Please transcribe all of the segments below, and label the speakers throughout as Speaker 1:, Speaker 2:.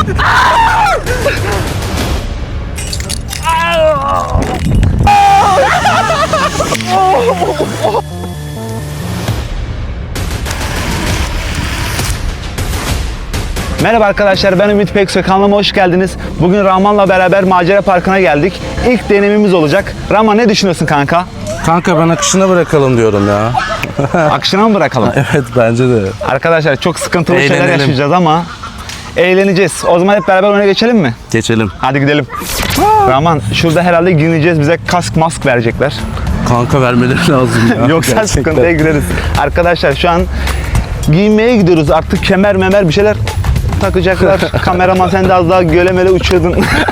Speaker 1: Merhaba arkadaşlar, ben Ümit Peksoy, kanalıma hoş geldiniz. Bugün Rahman'la beraber macera parkına geldik. İlk deneyimimiz olacak. Rahman, ne düşünüyorsun kanka?
Speaker 2: Kanka ben akışına bırakalım diyorum ya.
Speaker 1: Akışına mı bırakalım?
Speaker 2: Evet bence de.
Speaker 1: Arkadaşlar çok sıkıntılı şeyler
Speaker 2: Eğlenelim.
Speaker 1: yaşayacağız ama eğleneceğiz. O zaman hep beraber oyuna geçelim mi?
Speaker 2: Geçelim.
Speaker 1: Hadi gidelim. Rahman, şurada herhalde giyineceğiz, bize kask mask verecekler.
Speaker 2: Kanka vermeleri lazım ya.
Speaker 1: Yoksa
Speaker 2: Gerçekten.
Speaker 1: sıkıntıya gireriz. Arkadaşlar şu an giyinmeye gidiyoruz. Artık kemer memer bir şeyler takacaklar. Kameraman, sen de az daha gölemele uçuyordun.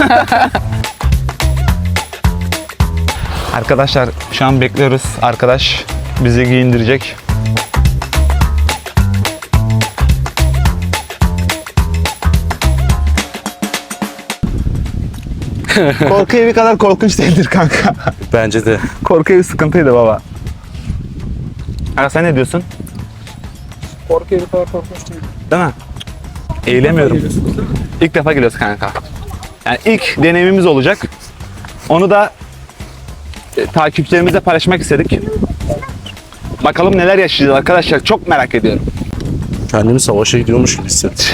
Speaker 1: Arkadaşlar şu an bekliyoruz. Arkadaş bizi giyindirecek. Korku evi kadar korkunç değildir kanka.
Speaker 2: Bence de.
Speaker 1: Korku evi sıkıntıydı baba. Aga, sen ne diyorsun?
Speaker 3: Korku evi kadar korkunç değil.
Speaker 1: Değil mi? Eğilemiyorum. İlk defa geliyoruz kanka. Yani ilk deneyimimiz olacak. Onu da takipçilerimizle paylaşmak istedik. Bakalım neler yaşayacağız arkadaşlar. Çok merak ediyorum.
Speaker 2: Kendimi savaşa gidiyormuş gibi hissettim.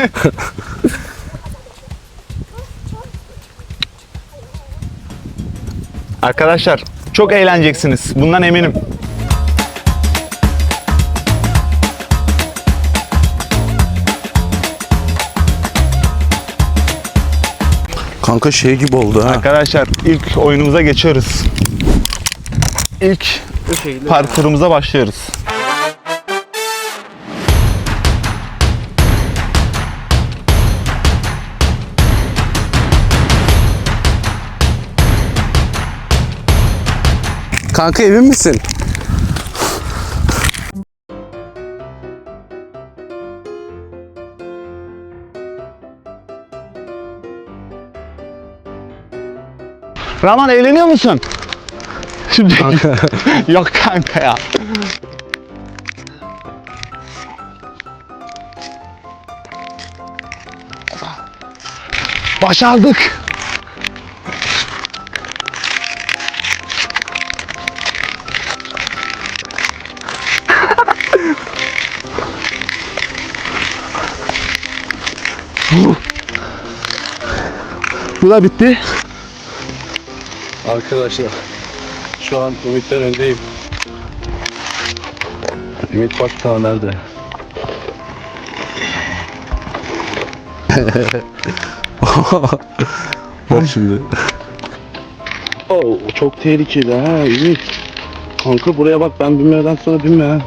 Speaker 1: Arkadaşlar çok eğleneceksiniz. Bundan eminim.
Speaker 2: Kanka şey gibi oldu ha.
Speaker 1: Arkadaşlar ilk oyunumuza geçiyoruz. İlk parkurumuza başlıyoruz.
Speaker 2: Kanka emin misin?
Speaker 1: Rahman, eğleniyor musun? Şimdi
Speaker 2: Kanka.
Speaker 1: yok kanka ya. Başardık. Bu da bitti.
Speaker 2: Arkadaşlar şu an Ümit'ten öndeyim. Ümit bak ta nerede? Bak şimdi. Oo, çok tehlikeli ha Ümit. Kanka buraya bak, ben binmeden sonra binme ha.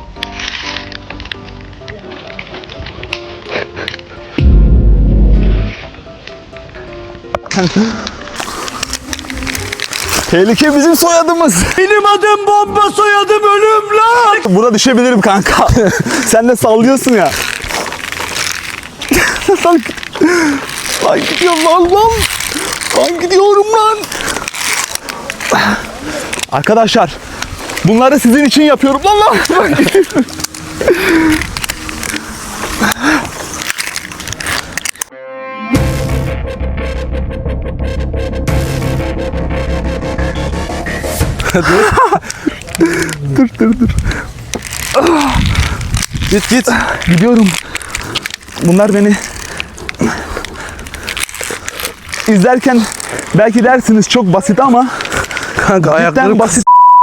Speaker 1: Tehlike bizim soyadımız. Benim adım bomba, soyadım ölüm lan. Buna düşebilirim kanka. Sen de sallıyorsun ya. Lan gidiyorum lan. Lan gidiyorum lan. Arkadaşlar, bunları sizin için yapıyorum lan. Dur. Git. Gidiyorum. Bunlar beni izlerken belki dersiniz çok basit ama
Speaker 2: Kanka
Speaker 1: cidden
Speaker 2: ayaklarım
Speaker 1: basit.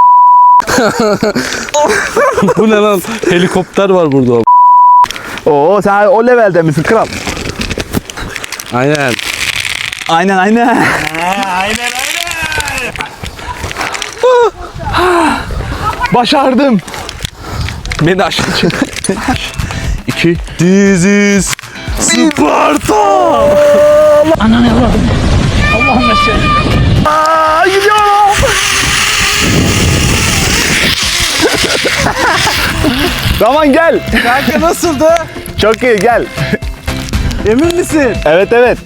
Speaker 2: Bu ne lan? Helikopter var burada.
Speaker 1: Oo, sen o levelde misin kral?
Speaker 2: Aynen.
Speaker 1: Aynen. Başardım. Beni aşağı çek. 2
Speaker 2: This is Sparta.
Speaker 1: Ananı avradım. Allah'ım eşeğim. Gidiyorum. Rahman gel.
Speaker 2: Kanka nasıldı?
Speaker 1: Çok iyi, gel.
Speaker 2: Emin misin?
Speaker 1: Evet.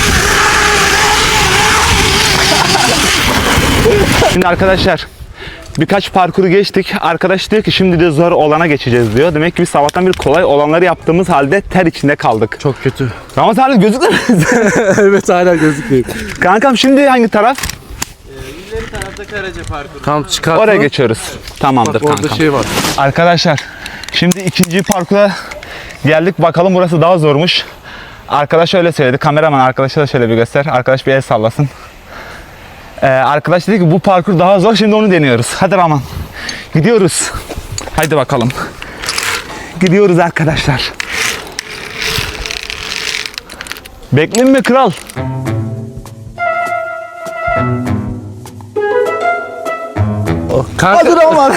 Speaker 1: Şimdi arkadaşlar Birkaç parkuru geçtik. Arkadaş diyor ki şimdi de zor olana geçeceğiz diyor. Demek ki biz sabahtan bir kolay olanları yaptığımız halde ter içinde kaldık.
Speaker 2: Çok kötü.
Speaker 1: Ramazan hala gözükmüyor.
Speaker 2: Evet hala gözükmüyor.
Speaker 1: Kankam şimdi hangi taraf?
Speaker 4: İleri tarafta Karaca Parkuru.
Speaker 2: Tam çıkar.
Speaker 1: Oraya geçiyoruz. Tamamdır
Speaker 2: Bak orada
Speaker 1: kankam.
Speaker 2: şey var.
Speaker 1: Arkadaşlar şimdi ikinci parkura geldik. Bakalım burası daha zormuş. Arkadaş öyle söyledi. Kameraman arkadaşa da şöyle bir göster. Arkadaş bir el sallasın. Arkadaş dedi ki bu parkur daha zor. Şimdi onu deniyoruz. Hadi Rahman. Gidiyoruz. Haydi bakalım. Gidiyoruz arkadaşlar. Bekleyeyim mi kral?
Speaker 2: Kanka,
Speaker 1: Hadi Rahman.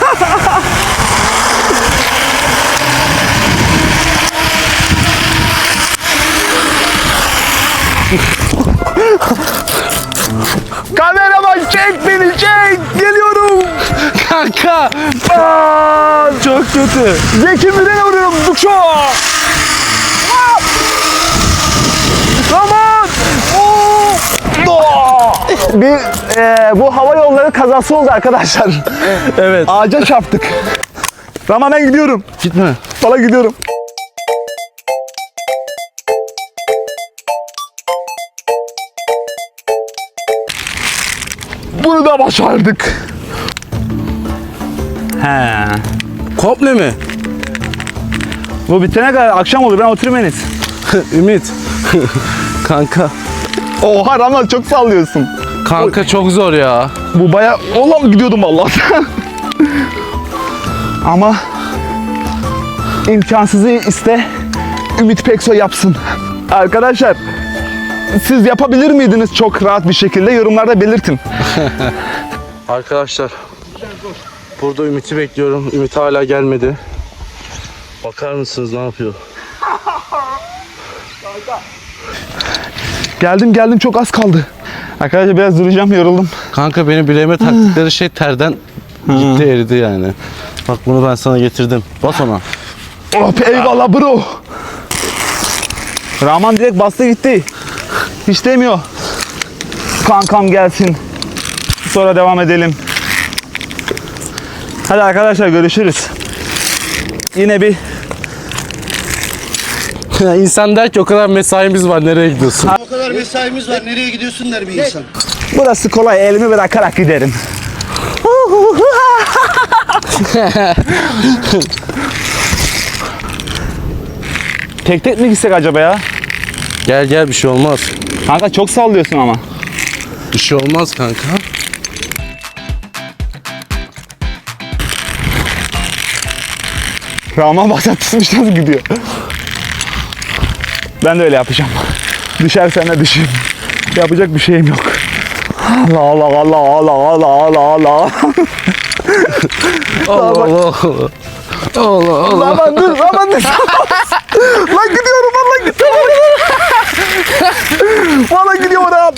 Speaker 1: Kameraman çek beni çek. Geliyorum.
Speaker 2: kanka.
Speaker 1: Çok kötü. Zeki Müren'e vuruyorum. Dukşo. Aman. Bir bu hava yolları kazası oldu arkadaşlar.
Speaker 2: Evet.
Speaker 1: Ağaca çarptık. Ama ben gidiyorum.
Speaker 2: Gitme.
Speaker 1: Valla gidiyorum. Bunu da başardık. He.
Speaker 2: Komple mi?
Speaker 1: Bu bitene kadar akşam olur. Ben oturayım Enes.
Speaker 2: Ümit. Kanka.
Speaker 1: Oha Ramazan çok sallıyorsun.
Speaker 2: Kanka çok zor ya.
Speaker 1: Bu baya... Oğlum gidiyordum vallahi. Ama imkansızı iste Ümit Peksoy yapsın. Arkadaşlar siz yapabilir miydiniz çok rahat bir şekilde? Yorumlarda belirtin.
Speaker 2: Arkadaşlar. Burada Ümit'i bekliyorum. Ümit hala gelmedi. Bakar mısınız ne yapıyor?
Speaker 1: Geldim çok az kaldı. Arkadaşlar biraz duracağım, yoruldum.
Speaker 2: Kanka benim bileğime taktıkları şey terden gitti eridi yani. Bak bunu ben sana getirdim. Bas ona.
Speaker 1: Oh eyvallah bro. Rahman direkt bastı gitti. Hiç demiyor. Kankam gelsin. Sonra devam edelim. Hadi arkadaşlar görüşürüz. Yine bir
Speaker 2: İnsan der ki o kadar mesaimiz var nereye gidiyorsun?
Speaker 5: O kadar mesaimiz var. Nereye gidiyorsun der bir insan.
Speaker 1: burası kolay, elimi bırakarak giderim. Tek tek mi gitsek acaba ya?
Speaker 2: Gel gel bir şey olmaz.
Speaker 1: Kanka çok sallıyorsun ama.
Speaker 2: Bir şey olmaz kanka.
Speaker 1: Rahman baksana tutmuş nasıl gidiyor. Ben de öyle yapacağım. Düşersen de düşeyim. Yapacak bir şeyim yok. Allah Allah Allah Allah Allah Allah Allah.
Speaker 2: Allah Allah. Allah Allah.
Speaker 1: Rahman dur Rahman dur. Lan gidiyorum lan gidiyorum. Valla gidiyorum Rahman.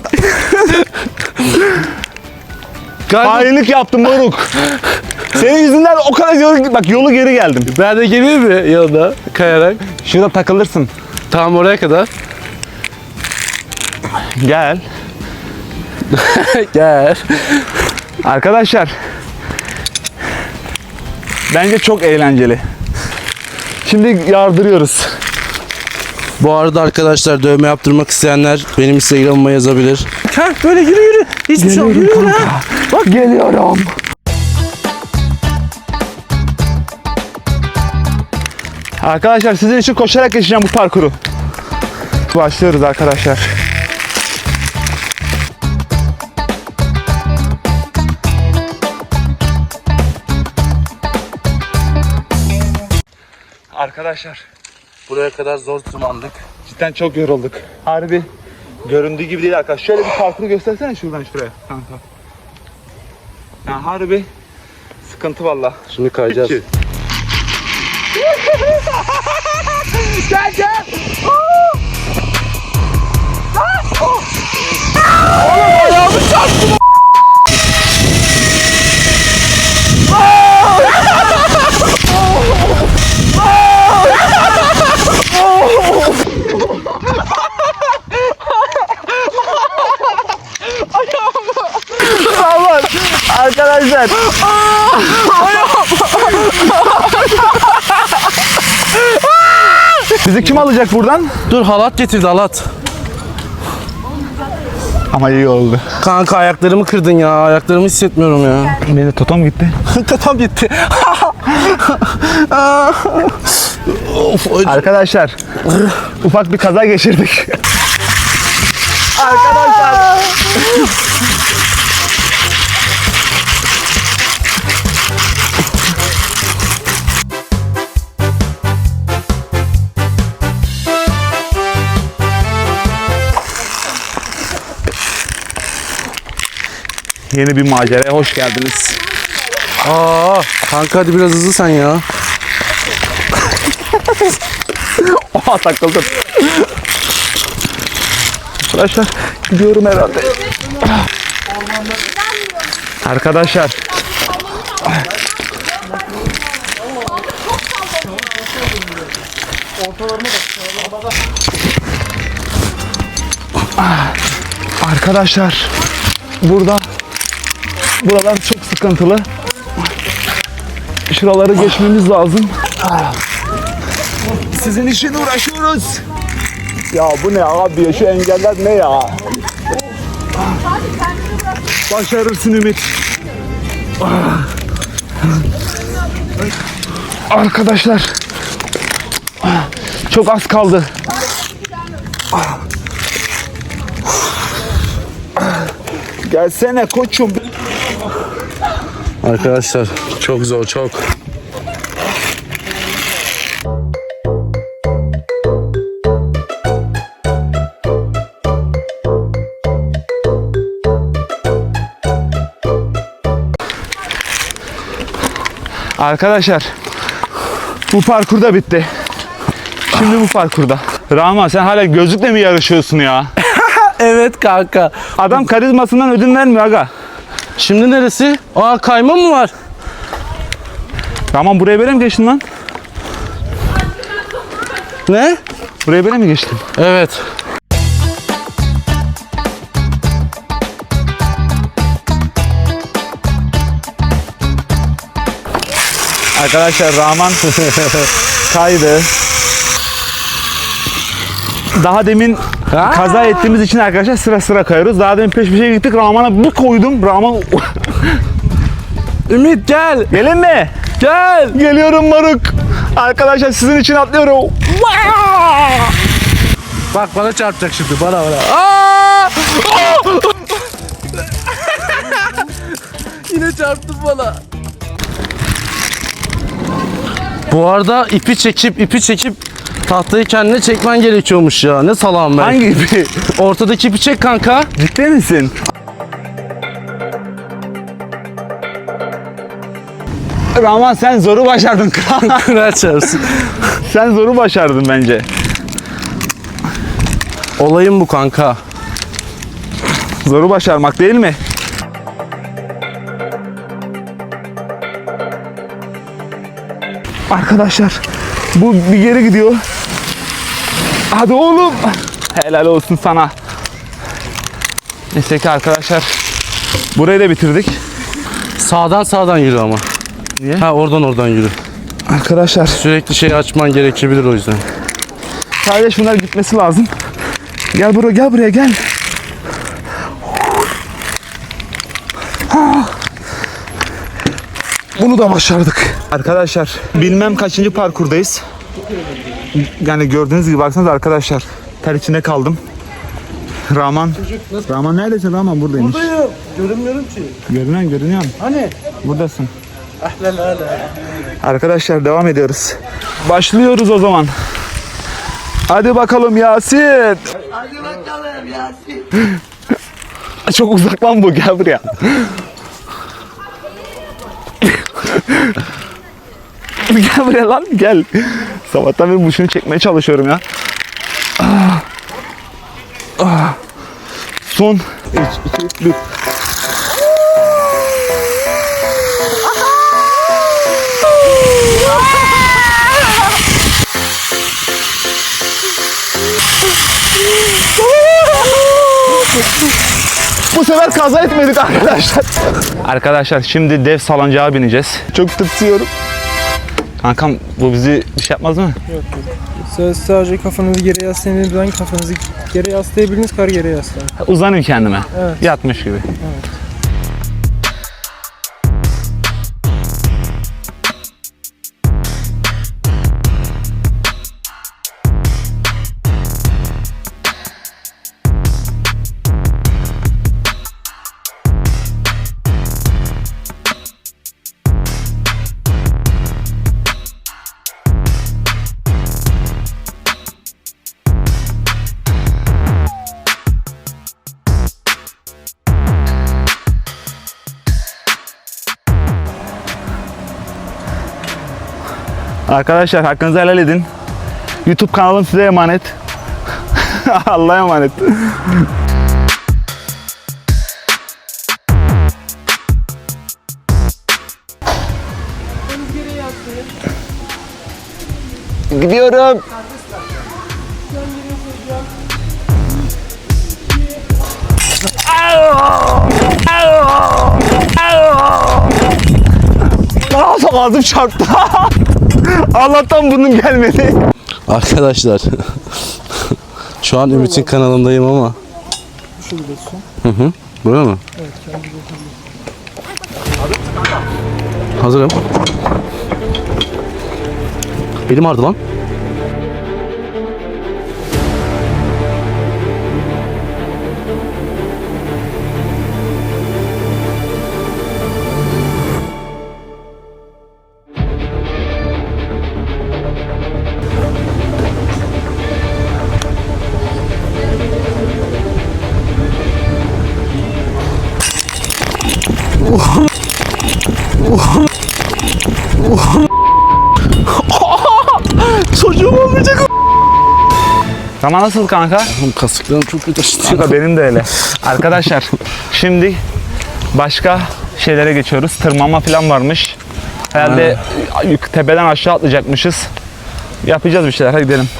Speaker 1: Hainlik yaptım moruk. Senin yüzünden o kadar yolu geri geldim.
Speaker 2: Ben de geleyim mi yanına kayarak?
Speaker 1: Şurada takılırsın.
Speaker 2: Tam oraya kadar.
Speaker 1: Gel.
Speaker 2: Gel.
Speaker 1: Arkadaşlar. Bence çok eğlenceli. Şimdi yardırıyoruz.
Speaker 2: Bu arada arkadaşlar dövme yaptırmak isteyenler benim Instagram'ıma yazabilir.
Speaker 1: Heh, böyle yürü. Hiçbir şey yok. Yürü lan. Bak geliyorum. Arkadaşlar sizin için koşarak geçeceğim bu parkuru. Başlıyoruz arkadaşlar. Arkadaşlar
Speaker 2: Buraya kadar zor tırmandık.
Speaker 1: cidden çok yorulduk. Harbi göründüğü gibi değil arkadaşlar. Şöyle bir parkuru göstersene şuradan şuraya kanka. Yani harbi sıkıntı valla.
Speaker 2: Şimdi kayacağız.
Speaker 1: Gel gel. Aman arkadaşlar Arkadaşlar. Bizi kim alacak buradan?
Speaker 2: Dur halat getirdi halat.
Speaker 1: Ama iyi oldu.
Speaker 2: Kanka ayaklarımı kırdın ya. Ayaklarımı hissetmiyorum ya.
Speaker 1: Benim de totom gitti.
Speaker 2: Tam gitti.
Speaker 1: Arkadaşlar ufak bir kaza geçirdik. Arkadaşlar. Yeni bir maceraya hoş geldiniz.
Speaker 2: Kanka hadi biraz hızlı sen ya.
Speaker 1: Oha takıldım. Arkadaşlar gidiyorum herhalde. Arkadaşlar. Arkadaşlar buralar çok sıkıntılı. Şuraları geçmemiz lazım. Sizin için uğraşıyoruz. Ya bu ne abi ya, şu engeller ne ya? Başarırsın Ümit. Arkadaşlar çok az kaldı. Gelsene koçum.
Speaker 2: Arkadaşlar çok zor çok.
Speaker 1: Arkadaşlar bu parkur da bitti. Şimdi bu parkurda. Rahman sen hala gözlükle mi yarışıyorsun ya?
Speaker 2: Evet kanka.
Speaker 1: Adam karizmasından ödün vermiyor aga.
Speaker 2: Şimdi neresi? Kayma mı var?
Speaker 1: Rahman buraya böyle mi geçtin lan?
Speaker 2: Ne?
Speaker 1: Buraya böyle mi geçtin?
Speaker 2: Evet.
Speaker 1: Arkadaşlar Rahman kaydı. Daha demin kaza ettiğimiz için arkadaşlar sıra sıra kayıyoruz. Daha demin peş peşe gittik. Rahman'a bir koydum. Rahman
Speaker 2: Ümit gel.
Speaker 1: gelin mi?
Speaker 2: Gel.
Speaker 1: Geliyorum moruk. Arkadaşlar sizin için atlıyorum.
Speaker 2: Bak bana çarpacak şimdi bana. Yine çarptın bana. Bu arada ipi çekip tahtayı kendine çekmen gerekiyormuş ya. Ne salam ben.
Speaker 1: Hangi ipi?
Speaker 2: Ortadaki ipi çek kanka.
Speaker 1: Ciddi misin? Rahman sen zoru başardın.
Speaker 2: Kırar çarpsın.
Speaker 1: Sen zoru başardın bence.
Speaker 2: Olayım bu kanka.
Speaker 1: Zoru başarmak değil mi? Arkadaşlar bu bir geri gidiyor. Hadi oğlum. Helal olsun sana. Neyse ki arkadaşlar burayı da bitirdik.
Speaker 2: Sağdan yürü ama.
Speaker 1: Niye?
Speaker 2: Ha oradan yürü.
Speaker 1: Arkadaşlar
Speaker 2: Sürekli şey açman gerekebilir o yüzden.
Speaker 1: sadece şunlar gitmesi lazım. Gel buraya gel. Bunu da başardık. Arkadaşlar bilmem kaçıncı parkurdayız. Yani gördüğünüz gibi baksanız arkadaşlar ter içinde kaldım. Rahman neredesin Rahman? Buradaymış.
Speaker 2: Buradayım. Görünmüyorum ki.
Speaker 1: Görünüyorsun.
Speaker 2: Hani?
Speaker 1: Buradasın. Arkadaşlar devam ediyoruz. Başlıyoruz o zaman. Hadi bakalım Yasin.
Speaker 5: Hadi bakalım Yasin.
Speaker 1: Çok uzak lan bu, gel buraya. Gel buraya lan, gel. Sabahtan beri şunu çekmeye çalışıyorum ya. Son 3, 2, 1. Bu bu sefer kaza etmedik arkadaşlar. Arkadaşlar şimdi dev salıncağa bineceğiz. Çok tırsıyorum. Kankam bu bizi bir şey yapmaz mı?
Speaker 3: Yok yok. Siz sadece kafanızı geri yaslayın. Ben kafanızı geri yaslayabilirsiniz, kar geri yaslayın.
Speaker 1: Uzanayım kendime.
Speaker 3: Evet.
Speaker 1: Yatmış gibi. Arkadaşlar hakkınızı helal edin. YouTube kanalım size emanet. Allah'a emanet. Gidiyorum. Ağzım çarptı. Allah'tan bunun gelmedi.
Speaker 2: Arkadaşlar şu an Ümit'in kanalındayım ama.
Speaker 3: Şu gidiyorsun.
Speaker 2: Hı. Böyle mi?
Speaker 3: Evet, kendi
Speaker 2: Hazırım. Elim ağrıdı lan. Çocuğum olmayacak.
Speaker 1: Zaman nasıl kanka?
Speaker 2: Kasıklarım çok kötü açtı.
Speaker 1: Kanka benim de öyle. Arkadaşlar şimdi başka şeylere geçiyoruz. Tırmanma falan varmış. Herhalde tepeden aşağı atlayacakmışız. Yapacağız bir şeyler. Hadi gidelim.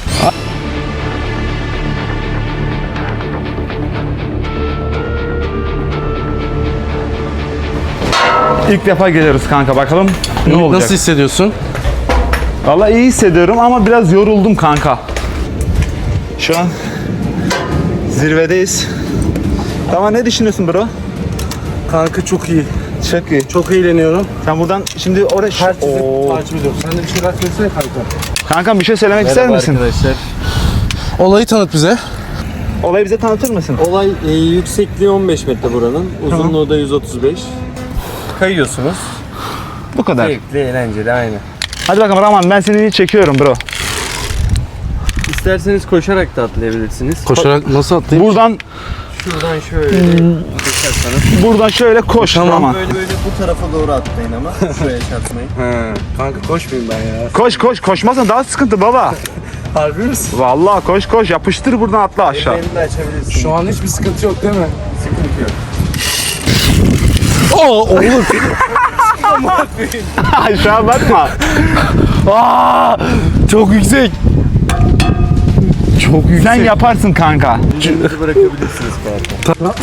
Speaker 1: İlk defa geliyoruz kanka. Bakalım ne olacak.
Speaker 2: Nasıl hissediyorsun?
Speaker 1: Vallahi iyi hissediyorum ama biraz yoruldum kanka. Şu an zirvedeyiz. Tamam, ne düşünüyorsun bro?
Speaker 2: Kanka çok iyi.
Speaker 1: Çok iyi.
Speaker 2: Çok eğleniyorum.
Speaker 1: Sen buradan şimdi oraya...
Speaker 2: Takip ediyorum. Sen de bir şeyler söylesene kanka.
Speaker 1: Kankam bir şey söylemek ister misin?
Speaker 4: arkadaşlar.
Speaker 2: Olayı tanıt bize.
Speaker 1: Olayı bize tanıtır mısın?
Speaker 4: Olay yüksekliği 15 metre buranın. Uzunluğu da 135. Kayıyorsunuz.
Speaker 1: Bu kadar.
Speaker 4: Zevkli, eğlenceli aynı.
Speaker 1: Hadi bakalım Rahman, ben seni çekiyorum bro.
Speaker 4: İsterseniz koşarak da atlayabilirsiniz.
Speaker 2: Koşarak nasıl atlayayım?
Speaker 1: Buradan
Speaker 4: Şuradan şöyle koşarsanız.
Speaker 1: buradan şöyle koş Rahman.
Speaker 4: Böyle bu tarafa doğru atlayın ama. Şuraya çarpmayın.
Speaker 2: He. Kanka koşmayayım ben ya.
Speaker 1: Koş koş, koşmazsan daha sıkıntı baba.
Speaker 2: Harbi misin?
Speaker 1: Vallahi koş koş, yapıştır buradan atla aşağı.
Speaker 4: Elini de açabilirsiniz.
Speaker 2: Şu an hiçbir sıkıntı yok değil mi?
Speaker 4: Sıkıntı yok.
Speaker 2: Oğlum.
Speaker 1: Aşağı bakma.
Speaker 2: Aa, çok yüksek. Çok yüksek.
Speaker 1: Sen yaparsın kanka.
Speaker 4: Elinizi bırakabilirsiniz parka.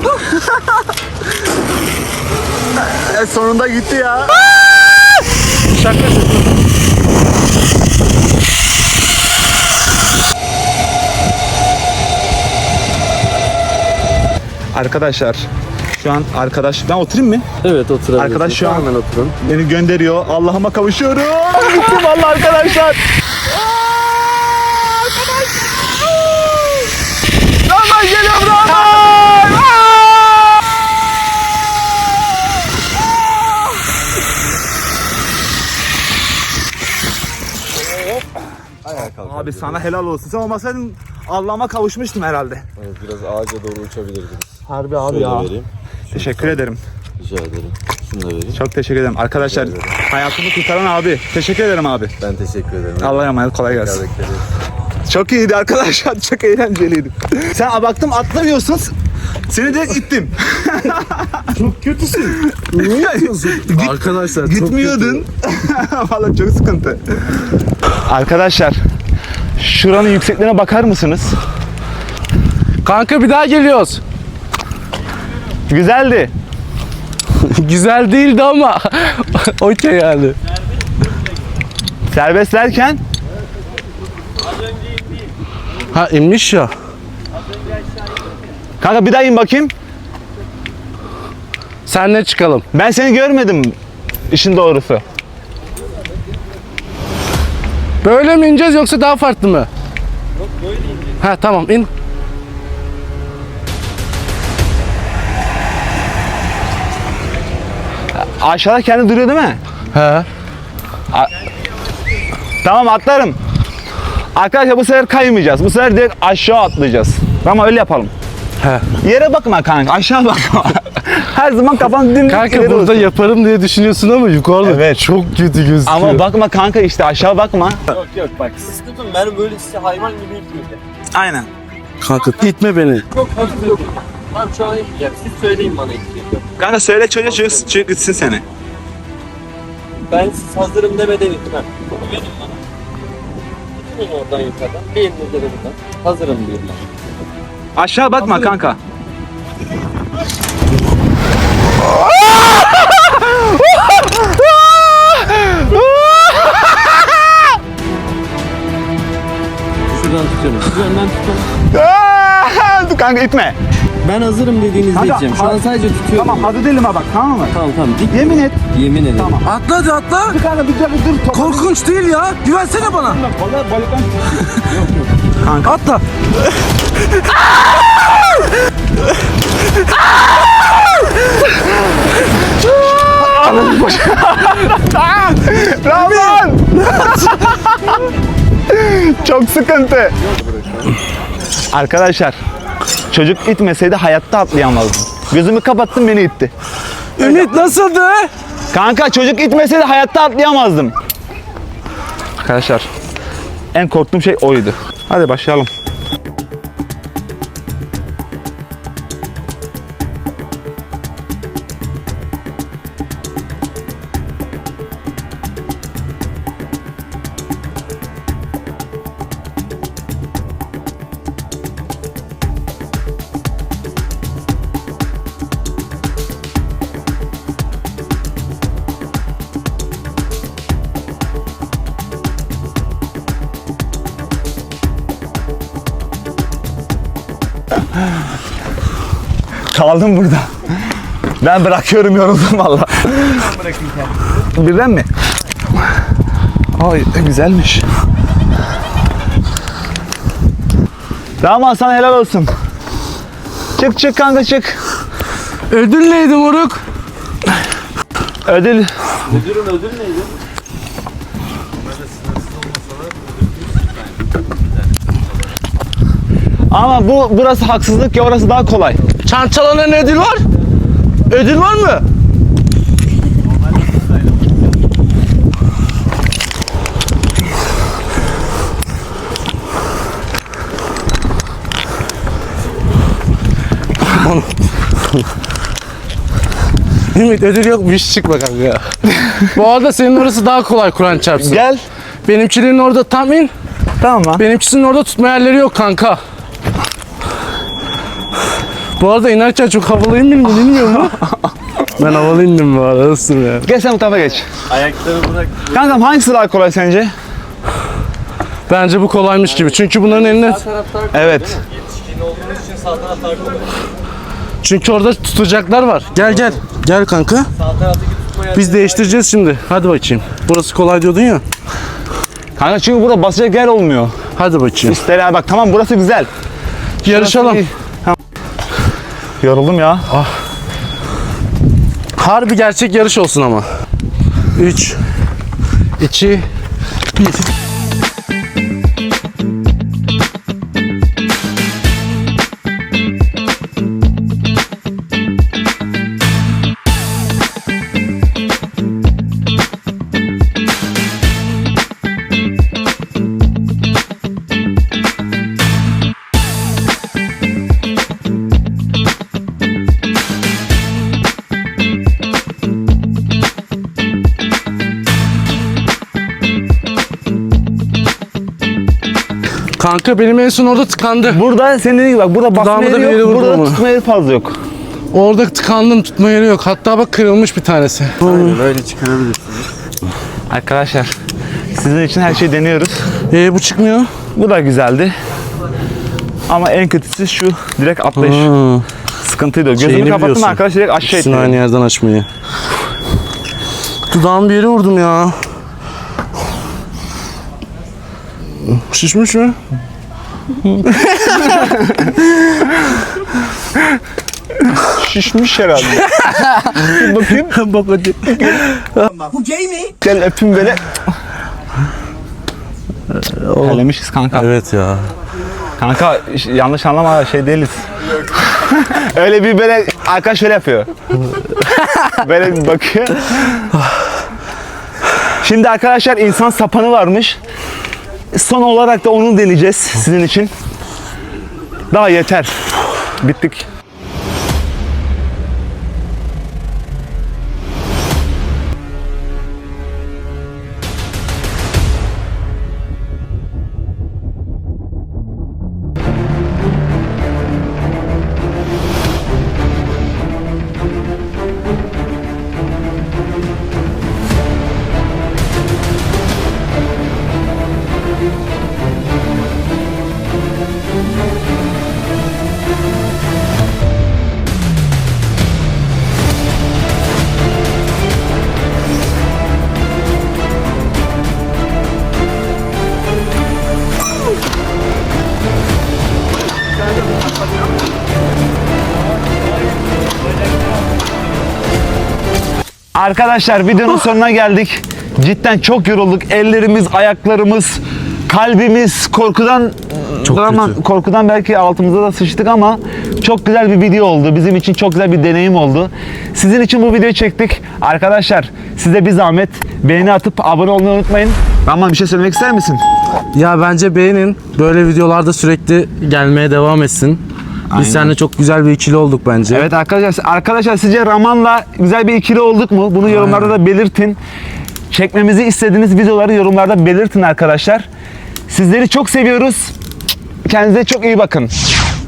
Speaker 1: Sonunda gitti ya. Arkadaşlar şu an ben oturayım mı?
Speaker 4: Evet, oturabilirsiniz.
Speaker 1: Arkadaş şu an-
Speaker 4: Hemen oturun.
Speaker 1: Beni gönderiyor. Allah'ıma kavuşuyorum. Gittim vallahi arkadaşlar. Rahman geliyorum Rahman. Abi sana helal olsun. Sen olmasaydın Allah'ıma kavuşmuştum herhalde.
Speaker 6: Evet, biraz ağaca doğru uçabilirdiniz.
Speaker 1: Harbi abi
Speaker 6: Şöyle
Speaker 1: ya.
Speaker 6: vereyim.
Speaker 1: Teşekkür ederim.
Speaker 6: Rica ederim. Şunu da vereyim.
Speaker 1: Çok teşekkür ederim. Arkadaşlar hayatımı kurtaran abi. Teşekkür ederim abi.
Speaker 6: Ben teşekkür ederim.
Speaker 1: Allah'a emanet, kolay gelsin.
Speaker 6: Bekleriz.
Speaker 1: Çok iyiydi arkadaşlar. Çok eğlenceliydi. Sen baktım atlamıyorsun. Seni de ittim.
Speaker 2: Çok kötüsün. Niye yapıyorsun? Arkadaşlar
Speaker 1: Gitmiyordun. Vallahi çok sıkıntı. Arkadaşlar şuranın yüksekliğine bakar mısınız?
Speaker 2: Kanka bir daha geliyoruz.
Speaker 1: Güzeldi.
Speaker 2: Güzel değildi ama okey yani.
Speaker 1: Serbest derken
Speaker 2: Ha inmiş ya.
Speaker 1: kanka bir daha in bakayım.
Speaker 2: Senle çıkalım.
Speaker 1: Ben seni görmedim işin doğrusu.
Speaker 2: Böyle mi ineceğiz yoksa daha farklı mı? Yok böyle ineceğiz. Ha tamam in.
Speaker 1: Aşağıda kendi duruyor değil mi?
Speaker 2: He.
Speaker 1: Tamam atlarım. Arkadaşlar bu sefer kaymayacağız. Bu sefer direkt aşağı atlayacağız. Ama öyle yapalım.
Speaker 2: He.
Speaker 1: Yere bakma kanka, aşağı bakma. Her zaman kafan dümdüz
Speaker 2: Kanka
Speaker 1: ileri
Speaker 2: burada
Speaker 1: olsun.
Speaker 2: yaparım diye düşünüyorsun ama yukarıda
Speaker 1: Evet.
Speaker 2: çok kötü gözüküyor.
Speaker 1: Ama bakma kanka işte aşağı bakma.
Speaker 4: Yok yok bak siz tutun ben böyle size hayvan gibi itmeyeceğim.
Speaker 1: Aynen.
Speaker 2: Kanka itme beni.
Speaker 4: Çok hafif yok. Tamam şu an itmeyeceğim. Siz söyleyin bana itmeyeceğim.
Speaker 1: Kanka söyle çocuğa çocuk gitsin seni.
Speaker 4: Ben siz hazırım demeden itmem. Verin bana. İtin oradan yukarıdan. Bir elinize de buradan. Hazırım diyorlar.
Speaker 1: Aşağı bakma kanka.
Speaker 4: Şuradan tutuyorum. Siz önden tutun.
Speaker 1: Kanka itme.
Speaker 4: Ben hazırım dediğinizde
Speaker 1: Kanka,
Speaker 4: iteceğim. Şu an sadece tutuyorum.
Speaker 1: Tamam hazır değilim ha bak, tamam mı?
Speaker 4: Tamam tamam. Dik.
Speaker 1: Yemin et.
Speaker 4: Yemin ederim.
Speaker 1: Tamam.
Speaker 2: Atla hadi atla.
Speaker 1: Kanka bir dur.
Speaker 2: Korkunç değil ya. Güvensene bana.
Speaker 1: Balıktan.
Speaker 2: Atla.
Speaker 1: Rahman! Çok sıkıntı. Arkadaşlar, çocuk itmeseydi hayatta atlayamazdım. Gözümü kapattım, beni itti.
Speaker 2: Ümit nasıldı?
Speaker 1: Kanka çocuk itmeseydi hayatta atlayamazdım. Arkadaşlar, en korktuğum şey oydu. Hadi başlayalım. Kaldım burada. Ben bırakıyorum, yoruldum valla. Ben bırakayım kendimi. Birden mi? Ay güzelmiş. Tamam sana helal olsun. Çık kanka çık.
Speaker 2: Ödül neydi moruk?
Speaker 1: Ödül.
Speaker 4: Ödül neydi?
Speaker 1: Ama burası haksızlık ya, orası daha kolay.
Speaker 2: Çançalanın ödül var. Ödül var mı? Ümit ödül yokmuş, çıkma kanka. Bu arada senin orası daha kolay, Kur'an çarpsın.
Speaker 1: Gel.
Speaker 2: Benimkinin orada tam in.
Speaker 1: Tamam lan.
Speaker 2: Benimkisinin orada tutma yerleri yok kanka. Bu arada inerken çok havalıyım bilmiyor mu? Ben havalı indim bu arada, nasılsın ya?
Speaker 1: Gel sen bu tarafa geç.
Speaker 4: Ayakları bırak.
Speaker 1: Kankam hangisi daha kolay sence?
Speaker 2: Bence bu kolaymış gibi. Çünkü bunların eline...
Speaker 4: Sağ taraftar
Speaker 1: Evet.
Speaker 4: yetişkin olduğunuz için sağ taraftar kolay.
Speaker 2: Çünkü orada tutacaklar var. Gel. Gel kanka.
Speaker 4: Sağ taraftaki tutma yer.
Speaker 2: Biz değiştireceğiz şimdi. Hadi bakayım. Burası kolay diyordun ya.
Speaker 1: Kanka çünkü burada basacak yer olmuyor.
Speaker 2: Hadi bakayım.
Speaker 1: İster bak, tamam burası güzel.
Speaker 2: Yarışalım.
Speaker 1: Tamam. Yoruldum ya.
Speaker 2: Harbi gerçek yarış olsun ama. 3 2 1. Kanka benim en son orada tıkandı.
Speaker 1: Burada senin dediğin gibi bak, burada basma
Speaker 2: Dudağıma da
Speaker 1: yeri
Speaker 2: bir yere
Speaker 1: yok,
Speaker 2: vurdum
Speaker 1: burada
Speaker 2: ama.
Speaker 1: tutma yeri fazla yok.
Speaker 2: Orada tıkandım, tutma yeri yok. Hatta bak kırılmış bir tanesi.
Speaker 6: Aynen öyle çıkarabilirsiniz.
Speaker 1: Arkadaşlar sizin için her şeyi deniyoruz.
Speaker 2: Bu çıkmıyor.
Speaker 1: Bu da güzeldi. Ama en kötüsü şu direkt atlayış. Sıkıntıydı. Gözümü
Speaker 2: Şeyini
Speaker 1: kapattım
Speaker 2: biliyorsun.
Speaker 1: arkadaş direkt aşağı
Speaker 2: İkisini
Speaker 1: itti.
Speaker 2: aynı yerden açmayı. Dudağım bir yere vurdum ya. Şişmiş mi?
Speaker 1: Şişmiş herhalde. Bakayım.
Speaker 2: Bak hadi.
Speaker 5: Bu gay mi?
Speaker 1: Gel öpün böyle. Terlemişiz kanka.
Speaker 2: Evet ya.
Speaker 1: Kanka yanlış anlama şey değiliz. Öyle bir böyle arkadaş şöyle yapıyor. Böyle bir bakıyor. Şimdi arkadaşlar insan sapanı varmış. Son olarak da onu deneyeceğiz sizin için. Daha yeter. Bittik. Arkadaşlar videonun sonuna geldik. Cidden çok yorulduk. Ellerimiz, ayaklarımız, kalbimiz korkudan korkudan belki altımıza da sıçtık ama çok güzel bir video oldu. Bizim için çok güzel bir deneyim oldu. Sizin için bu videoyu çektik. Arkadaşlar size bir zahmet beğeni atıp abone olmayı unutmayın. Rahman bir şey söylemek ister misin?
Speaker 2: Ya bence beğenin. Böyle videolarda sürekli gelmeye devam etsin. Biz seninle çok güzel bir ikili olduk bence.
Speaker 1: Evet arkadaşlar sizce Raman'la güzel bir ikili olduk mu? Bunu yorumlarda da belirtin. Çekmemizi istediğiniz videoları yorumlarda belirtin arkadaşlar. Sizleri çok seviyoruz. Kendinize çok iyi bakın.